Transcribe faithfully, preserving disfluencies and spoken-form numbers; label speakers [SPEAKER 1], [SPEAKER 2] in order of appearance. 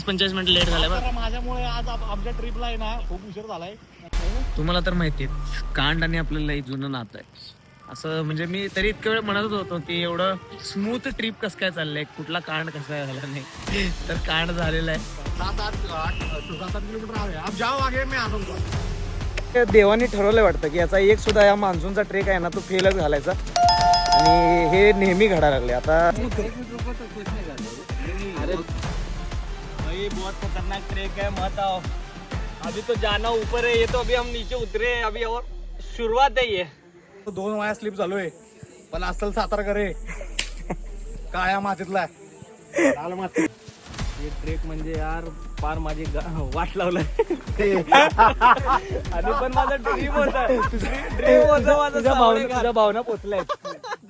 [SPEAKER 1] पंचेचाळीस minute late झालाय बरं.
[SPEAKER 2] माझ्यामुळे आज आमच्या ट्रिपला आहे ना खूप उशीर झालाय.
[SPEAKER 1] तुम्हाला तर माहिती आहे कांड आणि आपल्याला एक जुनं नातं आहे असं. म्हणजे मी तरी इतक्या वेळ म्हणत होतो की एवढं स्मूथ ट्रिप कसं काय चाललंय, कुठला कांड कसा काय झाला नाही. तर कांड झालेला आहे.
[SPEAKER 2] सात आठ आठ सात आठ किलोमीटर आहे. आप जाओ आगे मैं आता हूँ.
[SPEAKER 3] देवानी ठरवलं वाटतं की याचा एक सुद्धा या मान्सूनचा ट्रेक आहे ना तो फेलच घालायचा आणि हे नेहमी घडायला लागले. आता
[SPEAKER 1] अरे भाई बहुत खतरनाक ट्रेक है, मत आओ. अभी तो जाना ऊपर है, ये तो अभी हम नीचे उतरे हैं, अभी और शुरुआत है ये.
[SPEAKER 2] दोन वाया स्लिप झालोय पण असल सातारा करे काळ्या मातीतला लाल माती.
[SPEAKER 1] हे ट्रेक म्हणजे यार फार माझी वाट लावलं आणि पण माझा ड्रीम होता ड्रीम होता माझा.
[SPEAKER 3] तुझ्या भावना तुझ्या भावना पोचल्या